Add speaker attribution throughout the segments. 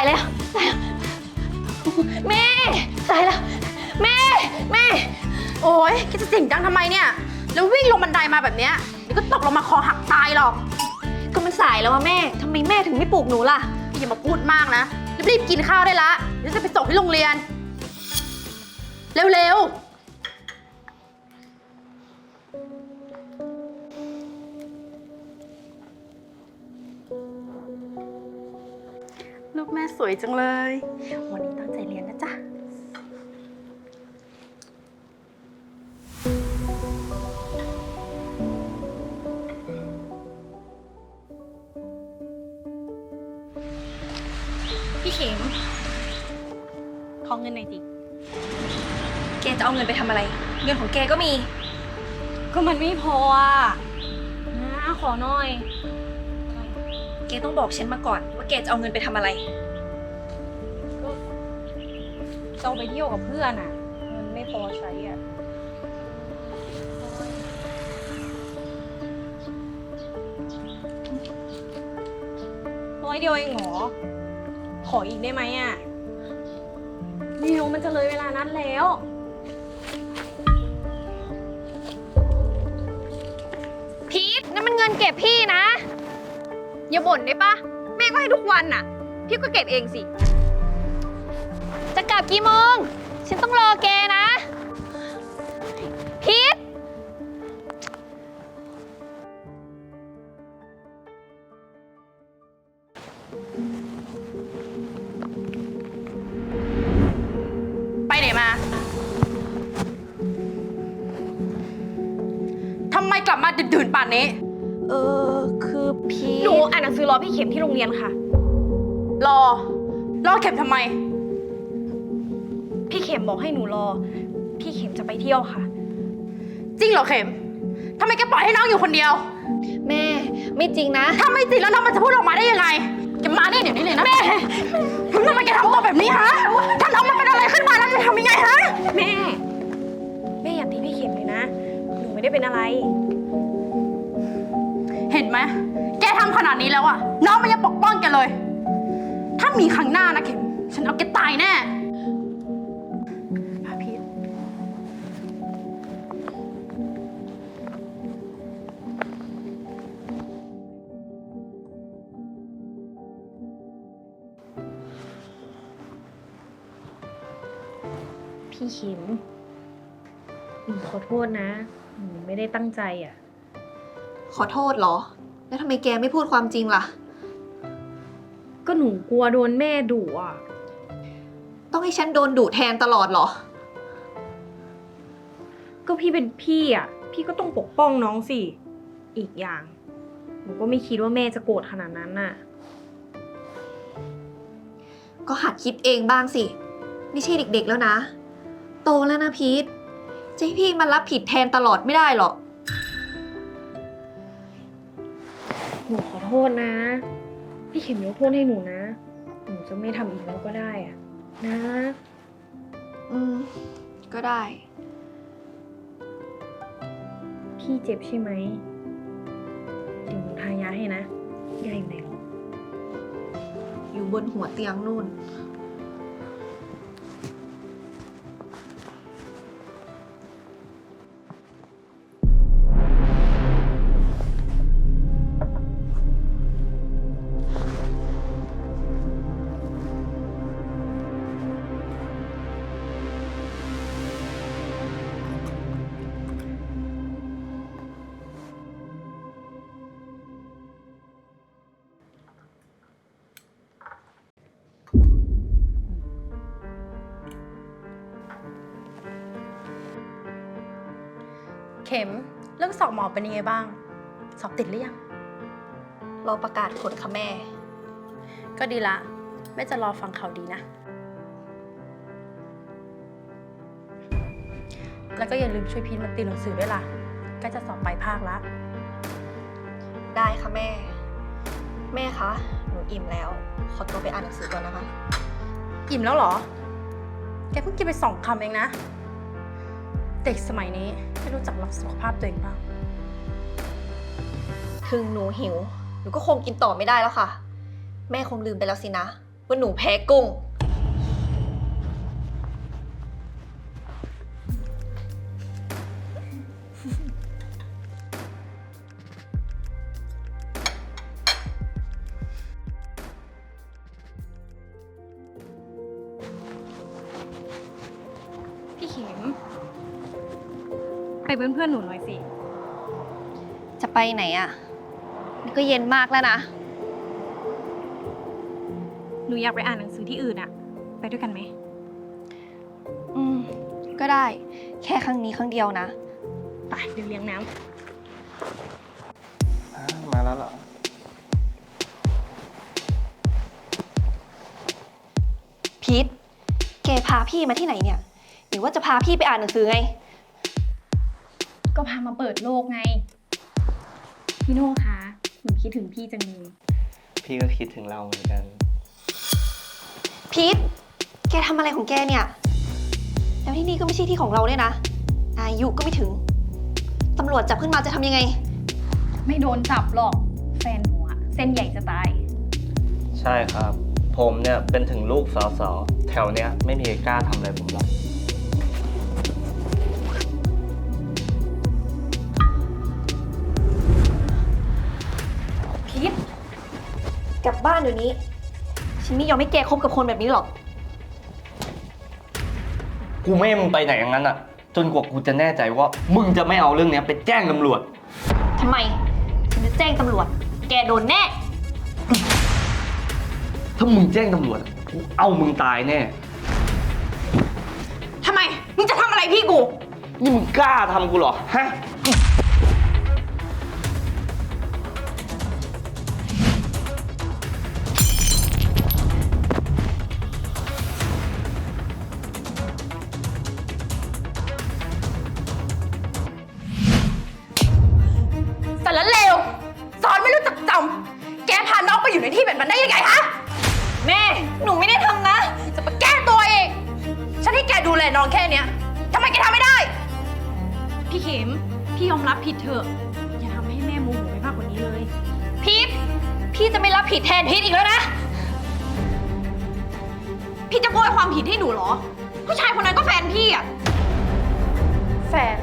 Speaker 1: แล้วตายแล้วแม่ตายแล้วแม่
Speaker 2: โอ๊ยแกจะเสียงดังทำไมเนี่ยแล้ววิ่งลงบันไดมาแบบเนี้ยเดี๋ยวก็ตกลงมาคอหักตายหรอก
Speaker 1: ก็มันสายแล้วอะแม่ทำไมแม่ถึงไม่ปลุกหนูล่ะ
Speaker 2: อย่ามาพูดมากนะรีบๆกินข้าวได้ละเดี๋ยวจะไปส่งที่โรงเรียนเร็วๆลูกแม่สวยจังเลยวันนี้ตั้งใจเรียนนะจ๊ะ
Speaker 1: พี่เข็มขอเงินหน่อยสิแกจะเอาเงินไปทำอะไรเงินของแกก็มีก็มันไม่พออ่ะนะขอหน่อยแกต้องบอกฉันมาก่อนว่าแกจะเอาเงินไปทำอะไรก็จะเอาไปเที่ยวกับเพื่อนอ่ะเงินไม่พอใช้อ่ะ100 เดียวเองเหรอขออีกได้ไหมอ่ะเดี๋ยวมันจะเลยเวลานัดแล้วพีทนั่นมันเงินเก็บพี่นะอย่าบ่นได้ปะแม่ก็ให้ทุกวันน่ะพี่ก็เก็บเองสิจะกลับกี่โมงฉันต้องรอแกนะพีท
Speaker 2: ไปไหนมาทำไมกลับมาดื่นๆป่านนี้
Speaker 1: คือพี่หนูอ่านหนังสือรอพี่เข็มที่โรงเรียนค่ะ
Speaker 2: รอเข็มทำไม
Speaker 1: พี่เข็มบอกให้หนูรอพี่เข็มจะไปเที่ยวค่ะ
Speaker 2: จริงเหรอเข็มทำไมแกปล่อยให้น้องอยู่คนเดียว
Speaker 1: แม่ไม่จริงนะ
Speaker 2: ถ้าไม่จริงแล้วน้องมันจะพูดออกมาได้ยังไงแกมาเนี่ยเดี๋ยวนี้เลยนะแม่ทำไมแกทำตัวแบบนี้ฮะถ้าน้องมันเป็นอะไรขึ้นมาแล้วจะทำยังไงฮะ
Speaker 1: แม่อย่าตีพี่เข็มเลยนะหนูไม่ได้เป็นอะไร
Speaker 2: เห็นไหมแกทำขนาดนี้แล้วอะน้องมันยังปกป้องแกเลยถ้ามีครั้งหน้านะเข็มฉันเอาแกตายแน่พีท
Speaker 1: พี่เข็มหนูขอโทษนะหนูไม่ได้ตั้งใจอ่ะ
Speaker 3: ขอโทษเหรอแล้วทำไมแกไม่พูดความจริงล่ะ
Speaker 1: ก็หนูกลัวโดนแม่ดุอ่ะ
Speaker 3: ต้องให้ฉันโดนดุแทนตลอดเหรอ
Speaker 1: ก็พี่เป็นพี่อ่ะพี่ก็ต้องปกป้องน้องสิอีกอย่างหนูก็ไม่คิดว่าแม่จะโกรธขนาดนั้นน่ะ
Speaker 3: ก็หัดคิดเองบ้างสิไม่ใช่เด็กๆแล้วนะโตแล้วนะพีทจะให้พี่มารับผิดแทนตลอดไม่ได้หรอก
Speaker 1: หนูขอโทษนะพี่เข็มยกโทษให้หนูนะหนูจะไม่ทำอีกแล้วก็ได้อะนะ
Speaker 3: ก็ได้
Speaker 1: พี่เจ็บใช่ไหมเดี๋ยวหนูทายาให้นะยาอยู่ไหนหรอ
Speaker 3: อยู่บนหัวเตียงนู่น
Speaker 2: เข็มเรื่องสอบหมอเป็นยังไงบ้างสอบติดหรือยัง
Speaker 3: รอประกาศผลค่ะแม่
Speaker 2: ก็ดีละแม่จะรอฟังข่าวดีนะแล้วก็อย่าลืมช่วยพีทมาติวหนังสือด้วยล่ะใกล้จะสอบปลายภาคละ
Speaker 3: ได้ค่ะแม่แม่คะหนูอิ่มแล้วขอตัวไปอ่านหนังสือก่อนนะคะ
Speaker 2: อิ่มแล้วเหรอแกเพิ่งกินไป2 คำเองนะเด็กสมัยนี้ไม่รู้จักรักสุขภาพตัวเองบ้าง
Speaker 3: ถึงหนูหิวหนูก็คงกินต่อไม่ได้แล้วค่ะแม่คงลืมไปแล้วสินะว่าหนูแพ้กุ้ง
Speaker 1: พี่เข็ม ไปเป็นเพื่อนหนูหน่อยสิ
Speaker 3: จะไปไหนอะนี่ก็เย็นมากแล้วนะ
Speaker 1: หนูอยากไปอ่านหนังสือที่อื่นอะไปด้วยกันไหม
Speaker 3: อืม ก็ได้ แค่ครั้งนี้ครั้งเดียวนะ
Speaker 1: ไปเดี๋ยวเลี้ยงน้
Speaker 4: มาแล้วเหรอ
Speaker 3: พีทแกพาพี่มาที่ไหนเนี่ย หรือว่าจะพาพี่ไปอ่านหนังสือไง
Speaker 1: ำก็พามาเปิดโลกไง พี่โน่คะหนูคิดถึงพี่จังเลย
Speaker 4: พี่ก็คิดถึงเราเหมือนกัน
Speaker 3: พีทแกทำอะไรของแกเนี่ย แล้วที่นี่ก็ไม่ใช่ที่ของเราด้วยนะ อายุก็ไม่ถึง ตำรวจจับขึ้นมาจะทำยังไง
Speaker 1: ไม่โดนจับหรอก แฟนหนูอะเส้นใหญ่จะตาย
Speaker 4: ใช่ครับ ผมเนี่ยเป็นถึงลูกสสแถวเนี้ยไม่มีใครกล้าทำอะไรผมหรอก
Speaker 3: พีทกลับบ้านเดี๋ยวนี้ ฉันไม่ยอมให้แกคบกับคนแบบนี้หรอก
Speaker 4: กูไม่ให้มึงไปไหนอย่างนั้นอ่ะ จนกว่ากูจะแน่ใจว่ามึงจะไม่เอาเรื่องเนี้ยไปแจ้งตำรวจ
Speaker 3: ทำไม ฉันจะแจ้งตำรวจ แกโดนแน่
Speaker 4: ถ้ามึงแจ้งตำรวจอะกูเอามึงตายแน่
Speaker 2: ทำไม มึงจะทำอะไรพี่กู
Speaker 4: นี่มึงกล้าทำกูเหรอ ฮะ
Speaker 2: สารเลวสอนไม่รู้จักจำแกพาน้องไปอยู่ในที่แบบนั้นได้ยังไงฮะ
Speaker 3: แม่ หนูไม่ได้ทำนะ
Speaker 2: จะมาแก้ตัวเอง ฉันให้แกดูแลน้องแค่เนี้ยทำไมแกทำไม่ได้
Speaker 1: พี่เข็ม พี่ยอมรับผิดเถอะ อย่าทำให้แม่โมโหไปมากกว่านี้เลย
Speaker 3: พีทพี่จะไม่รับผิดแทนพีทอีกแล้วนะ
Speaker 2: พี่จะโบยความผิดให้หนูเหรอ ผู้ชายคนนั้นก็แฟนพี่อะแฟน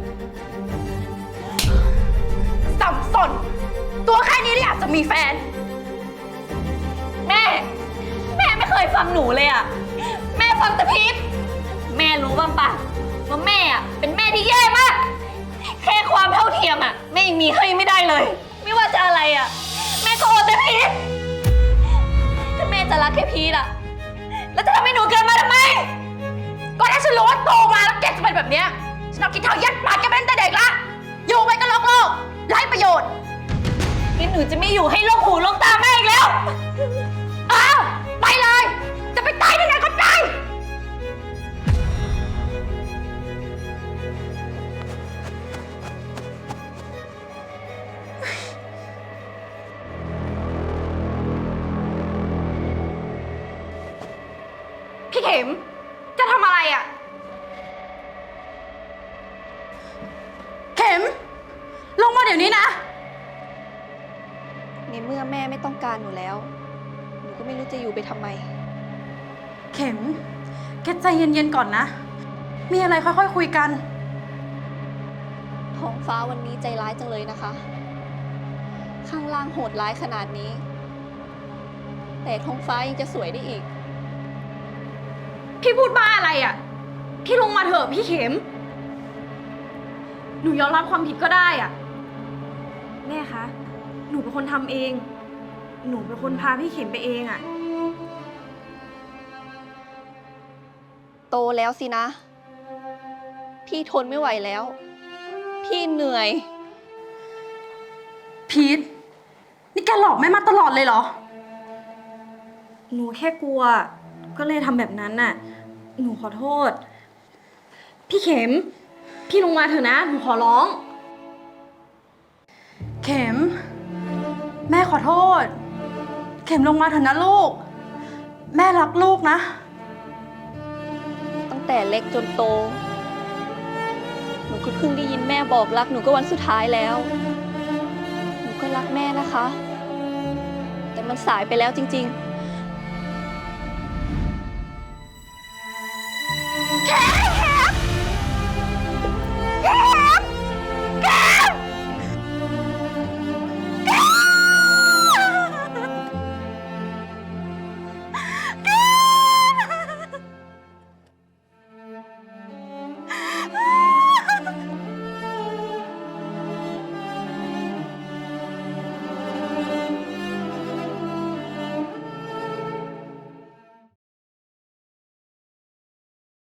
Speaker 2: สับสน ตัวแค่นี้เลยอยากจะมีแฟน
Speaker 3: แม่ แม่ไม่เคยฟังหนูเลยอะแม่ฟังแต่พีทแม่รู้บ้างปะว่าแม่อะเป็นแม่ที่แย่มาก แค่ความเท่าเทียมอะแม่ยังมีให้ไม่ได้เลย ไม่ว่าจะอะไรอะแม่ก็โอแต่พีทถ้าแม่จะรักแค่พีทอะแล้วจะทำให้หนูเกิดมาทำไม
Speaker 2: ก็ถ้าฉันรู้ว่าโตมาแล้วแกจะเป็นแบบเนี้ยฉันเอากินเท้ายัดปากแกเป็นแต่เด็กละ อยู่ไปก็โลกโลกไร้ประโยชน์
Speaker 3: งั้นหนูจะไม่อยู่ให้โลกหูโลกตาแม่อีกแล้ว
Speaker 2: อ้าว ไปเลย จะไปตายที่ไหนก็ไป พี่เข็ม จะทำอะไรอ่ะ เข็ม ลงมาเดี๋ยวนี้นะ
Speaker 3: ในเมื่อแม่ไม่ต้องการหนูแล้ว หนูก็ไม่รู้จะอยู่ไปทำไม
Speaker 2: เข็ม แกใจเย็นๆก่อนนะ มีอะไรค่อยๆคุยกัน
Speaker 3: ท้องฟ้าวันนี้ใจร้ายจังเลยนะคะ ข้างล่างโหดร้ายขนาดนี้ แต่ท้องฟ้ายังจะสวยได้อีก
Speaker 2: พี่พูดบ้าอะไรอ่ะ พี่ลงมาเถอะพี่เข็ม หนูยอมรับความผิดก็ได้อ่ะ
Speaker 1: แม่คะ หนูเป็นคนทำเอง หนูเป็นคนพาพี่เข็มไปเองอะ
Speaker 3: โตแล้วสินะ พี่ทนไม่ไหวแล้ว พี่เหนื่อย
Speaker 2: พีท นี่แกหลอกแม่มาตลอดเลยเหรอ
Speaker 1: หนูแค่กลัว ก็เลยทำแบบนั้นน่ะ หนูขอโทษ พี่เข็ม พี่ลงมาเถอะนะ หนูขอร้อง
Speaker 2: เข็ม แม่ขอโทษ เข็มลงมาเถอะนะลูก แม่รักลูกนะ
Speaker 3: ตั้งแต่เล็กจนโต หนูก็เพิ่งได้ยินแม่บอกรักหนูก็วันสุดท้ายแล้ว หนูก็รักแม่นะคะ แต่มันสายไปแล้วจริงๆ